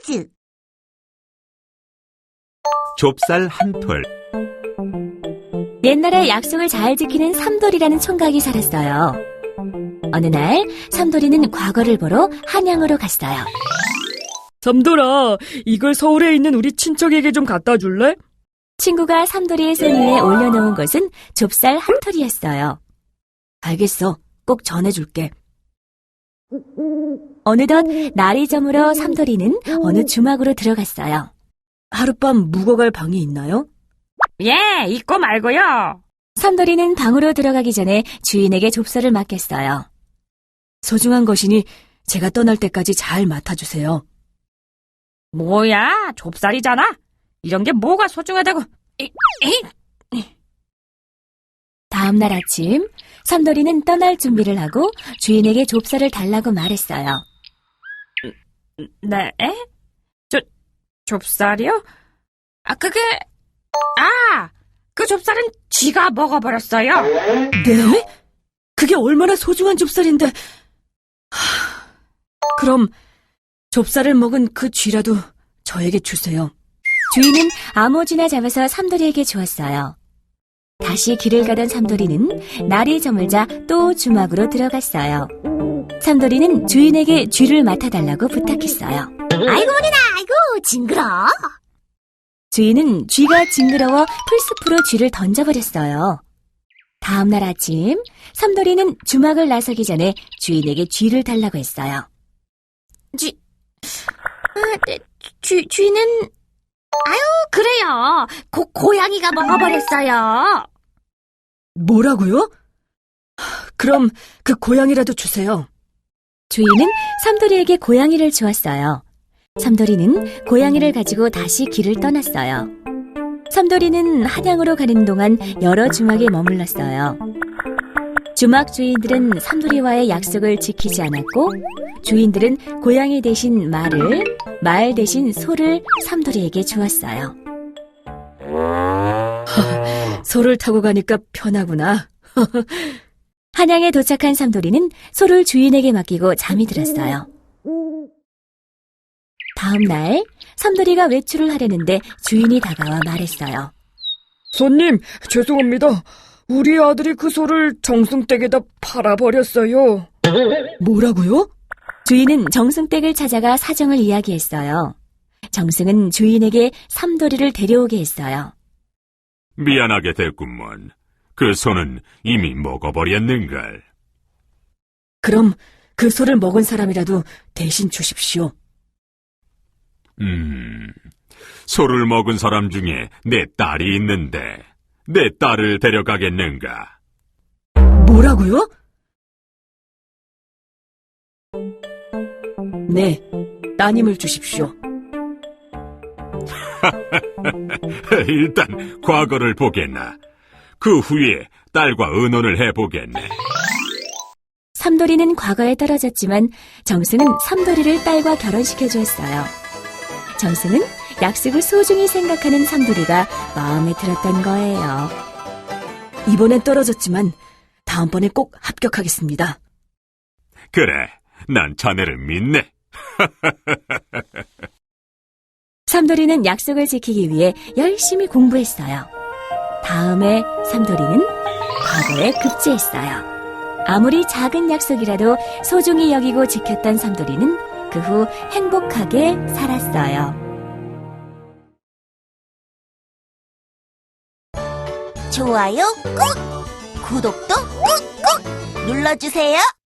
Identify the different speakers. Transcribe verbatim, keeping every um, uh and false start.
Speaker 1: 퀴즈.
Speaker 2: 좁쌀 한 톨.
Speaker 3: 옛날에 약속을 잘 지키는 삼돌이라는 총각이 살았어요. 어느 날 삼돌이는 과거를 보러 한양으로 갔어요.
Speaker 4: 삼돌아, 이걸 서울에 있는 우리 친척에게 좀 갖다 줄래?
Speaker 3: 친구가 삼돌이의 손 위에 올려놓은 것은 좁쌀 한 톨이었어요. 알겠어, 꼭 전해줄게. 어느덧 날이 저물어 삼돌이는 어느 주막으로 들어갔어요.
Speaker 4: 하룻밤 묵어갈 방이 있나요?
Speaker 5: 예, 있고 말고요.
Speaker 3: 삼돌이는 방으로 들어가기 전에 주인에게 좁쌀을 맡겼어요.
Speaker 4: 소중한 것이니 제가 떠날 때까지 잘 맡아주세요.
Speaker 5: 뭐야, 좁쌀이잖아. 이런 게 뭐가 소중하다고. 이, 이.
Speaker 3: 다음 날 아침, 삼돌이는 떠날 준비를 하고 주인에게 좁쌀을 달라고 말했어요.
Speaker 5: 네? 저, 좁쌀이요? 아, 그게, 아, 그 좁쌀은 쥐가 먹어버렸어요.
Speaker 4: 네? 그게 얼마나 소중한 좁쌀인데. 하... 그럼 좁쌀을 먹은 그 쥐라도 저에게 주세요.
Speaker 3: 주인은 아무쥐나 잡아서 삼돌이에게 주었어요. 다시 길을 가던 삼돌이는 날이 저물자 또 주막으로 들어갔어요. 삼돌이는 주인에게 쥐를 맡아달라고 부탁했어요.
Speaker 1: 아이고, 머리나, 아이고, 징그러.
Speaker 3: 주인은 쥐가 징그러워 풀숲으로 쥐를 던져버렸어요. 다음 날 아침, 삼돌이는 주막을 나서기 전에 주인에게 쥐를 달라고 했어요.
Speaker 1: 쥐, 아, 네, 쥐, 쥐는, 아유, 그래요. 고, 고양이가 먹어버렸어요.
Speaker 4: 뭐라고요? 그럼 그 고양이라도 주세요.
Speaker 3: 주인은 삼돌이에게 고양이를 주었어요. 삼돌이는 고양이를 가지고 다시 길을 떠났어요. 삼돌이는 한양으로 가는 동안 여러 주막에 머물렀어요. 주막 주인들은 삼돌이와의 약속을 지키지 않았고, 주인들은 고양이 대신 말을, 말 대신 소를 삼돌이에게 주었어요.
Speaker 4: 소를 타고 가니까 편하구나.
Speaker 3: 한양에 도착한 삼돌이는 소를 주인에게 맡기고 잠이 들었어요. 다음 날, 삼돌이가 외출을 하려는데 주인이 다가와 말했어요.
Speaker 4: 손님, 죄송합니다. 우리 아들이 그 소를 정승댁에다 팔아버렸어요. 뭐라고요?
Speaker 3: 주인은 정승댁을 찾아가 사정을 이야기했어요. 정승은 주인에게 삼돌이를 데려오게 했어요.
Speaker 2: 미안하게 됐구먼. 그 소는 이미 먹어버렸는걸.
Speaker 4: 그럼 그 소를 먹은 사람이라도 대신 주십시오.
Speaker 2: 음, 소를 먹은 사람 중에 내 딸이 있는데 내 딸을 데려가겠는가?
Speaker 4: 뭐라고요? 네, 따님을 주십시오.
Speaker 2: 일단 과거를 보겠나. 그 후에 딸과 의논을 해보겠네.
Speaker 3: 삼돌이는 과거에 떨어졌지만 정승은 삼돌이를 딸과 결혼시켜 주었어요. 정승은 약속을 소중히 생각하는 삼돌이가 마음에 들었던 거예요.
Speaker 4: 이번엔 떨어졌지만 다음번에 꼭 합격하겠습니다.
Speaker 2: 그래, 난 자네를 믿네.
Speaker 3: 삼돌이는 약속을 지키기 위해 열심히 공부했어요. 다음에 삼돌이는 과거에 급제했어요. 아무리 작은 약속이라도 소중히 여기고 지켰던 삼돌이는 그 후 행복하게 살았어요.
Speaker 1: 좋아요 꾹! 구독도 꾹꾹 눌러주세요.